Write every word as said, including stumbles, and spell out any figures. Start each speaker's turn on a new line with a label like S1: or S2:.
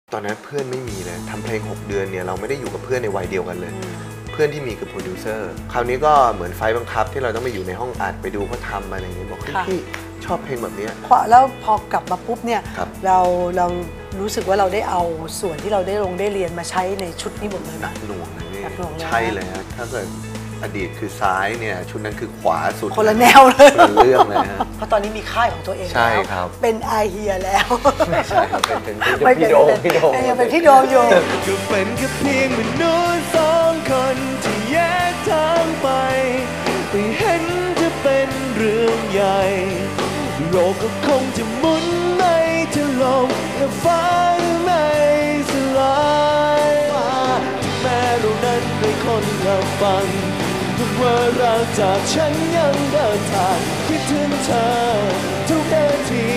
S1: ตอนนั้นเพื่อนไม่มีเลยทำเพลงหกเดือนเนี่ยเราไม่ได้อยู่กับเพื่อนในวัยเดียวกันเลยเพื่อนที่มีคือโปรดิวเซอร์คราวนี้ก็เหมือนไฟบังคับที่เราต้องไปอยู่ในห้องอัดไปดูเขาทำอะไรอย่างเงี้ยบอกพี่ชอบเพลงแบบนี้
S2: พอแล้วพอกลับมาปุ๊บเนี่ยเราเรารู้สึกว่าเราได้เอาส่วนที่เราได้ลงได้เรียนมาใช้ในชุดนี้หมดเลย
S1: หนักหน่วงเลยนี่
S2: หนักหน่วงเลย
S1: ใช่เลยฮะถ้าเกิดอดีตคือซ้ายเนี่ยชุดนั้นคือขวาสุด
S2: คนละแนวเลย
S1: คนละเรื่องเลยฮะ
S2: เพราะตอนนี้มีค่ายของตัวเอง
S1: ใช่ครับ
S2: เป็นไอเฮียแล้ว
S1: ไม่ใช่เป็น
S2: เป็นพี่โดมพี่โดมยังเป็นพี่โดมอยู่
S3: ก็เป็นแค่เพียงมนุษย์สองคนที่แยกทางไปไม่เห็นจะเป็นเรื่องใหญ่โลกก็คงจะหมุนไม่ถล่มและฟ้าไม่สลายที่แม้เรานั้นไม่คนละฟังเมื่อเราจากฉันยังเดินทางคิดถึงเธอทุกนาที